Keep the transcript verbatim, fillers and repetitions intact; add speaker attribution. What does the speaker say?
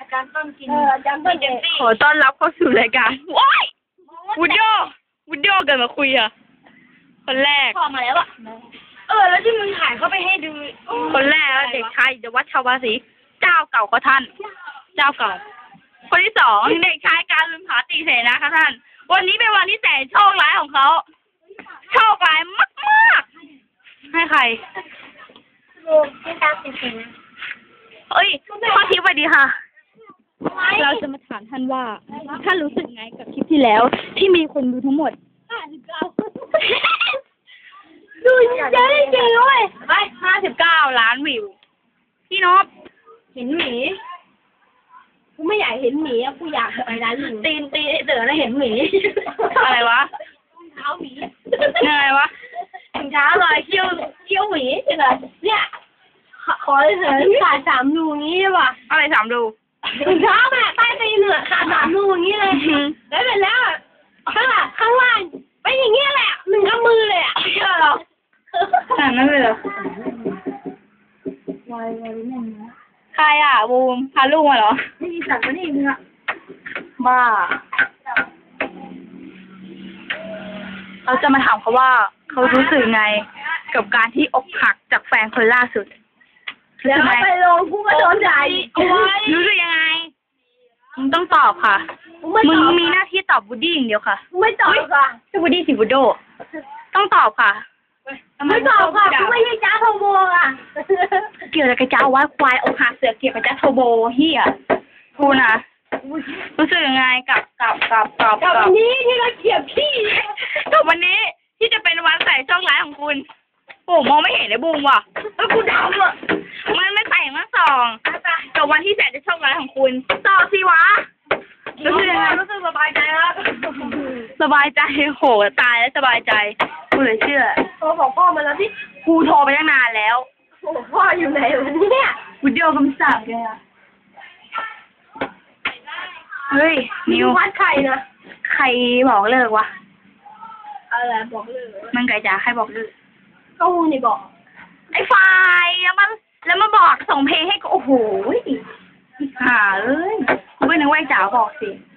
Speaker 1: จารย์ต้นกิน
Speaker 2: เอออาจารย์ต้นเอง
Speaker 3: ขอต้อนรับเข้าสู่รายการว้ายวุดโยวุดโยเกิดมาคุยอ่ะคนแรก
Speaker 1: พอมาแล้วอ่ะเออแล้วที่มึงถ่ายเข้าไปให้ดู
Speaker 3: คนแรกเด็กชายวัดชาวบาสีเจ้าเก่าของท่าน เจ้าเก่า คนที่สองเด็กชายการลืมผาตีเสนาค่ะท่าน วันนี้เป็นวันที่แสนโชคร้ายของเขาโชคร้ายมากมากให้ใคร
Speaker 2: ลูกที่ตาเสียนะ
Speaker 3: เอ้ยข้อทิพย์สวัสดีค่ะ เราจะมาถามท่านว่าท่านรู้สึกไงกับคลิปที่แล้ว ที่มีคนดูทั้งหมด
Speaker 2: ห้าสิบเก้าดูเยอะจริงๆด้วย
Speaker 3: ไปห้าสิบเก้าล้านวิว พี่นพ
Speaker 2: เห็นหมีกูไม่อยากเห็นหมีอะกูอยากไปร้านหมี
Speaker 1: ตีนตีนไอ้เต๋อแล้วเห็นหมี
Speaker 3: อะไรวะ
Speaker 2: เท้าหมี
Speaker 3: ยังไงวะ
Speaker 1: ถึงเช้าเลยเขี้ยวเขี้ยวหมี
Speaker 2: เนี่ยขอเลยเถอะขาดสามรูงี้ใช่ป่ะ
Speaker 3: อะไรสามดู
Speaker 2: ถุงเท้าแม่ใต้ตีนเหนือขาดสามรูอย่างนี้เลยแล้วเสร็จแล้วข้างหลังข้างล่างเป็นอย่างเงี้ยแหละหนึ่งกำมือเลยอ่ะเชื่อหรอ
Speaker 3: ขนาดนั้นเลยเหรอ
Speaker 2: วายวายแม่งนะ
Speaker 3: ใครอ่ะบูมพาลูกมาเหรอ
Speaker 2: ไม่มีสัตว์มานี่มึงอ่ะ
Speaker 3: บ้า เราจะมาถามเขาว่าเขารู้สึกไง กับการที่อกหักจากแฟนคนล่าสุดรู้
Speaker 2: แล้ว
Speaker 3: สึกไง
Speaker 2: ไปลงกูก็โดนใจ
Speaker 3: รู้สึกยังไง มึงต้องตอบค่ะ มึงมีหน้าที่ตอบบูดดี้อย่างเดียวค่ะ
Speaker 2: ไม่ตอบค่ะ
Speaker 3: ชื่อบูดดี้สิบูโด ต้องตอบค่ะ
Speaker 2: ไม่ตอบค่ะกูไม่ใช่จ้าโทโบอ่ะ
Speaker 3: เกี่ยวกับกระเจ้าว่าควายอกหักเสือเกี่ยวกับจ้าโทโบเฮียกูนะรู้สึกยังไงกับกับกับกับ
Speaker 2: กับวันนี้ที่เราเขียบพี่
Speaker 3: กับวันนี้ที่จะเป็นวันใส่ช่องร้ายของคุณโอ้มองไม่เห็นเลยบูมว่ะ
Speaker 2: เออกูดำอ่ะ
Speaker 3: มันไม่ใส่มาสองกับวันที่แสนจะโชคร้ายของคุณต่อสิวะรู้สึกยังไง
Speaker 2: รู้สึกสบายใจแล้ว
Speaker 3: สบายใจโหตายแล้วสบายใจกูเลยเชื่อ
Speaker 2: โทรบอกพ่อมาแล้วที่
Speaker 3: กูโทรไปตั้งนานแล้ว
Speaker 2: โอ้พ่ออยู่ไหนวันนี้เนี่ย
Speaker 3: วิดีโอคำสั่งแกอะเฮ้ยนิว
Speaker 2: วัดไข่นะ
Speaker 3: ใครบอกเลิกวะ
Speaker 2: อะไรบอกเลย
Speaker 3: มันไก่จ๋าใครบอกเลิก
Speaker 2: ก็มึงนี่บอก
Speaker 3: ไอ้ไฟแล้วมาแล้วมาบอกส่งเพลงให้กูโอ้โหห่าเอ้ยกูไม่นึกว่าไอ้จ๋าบอกสิ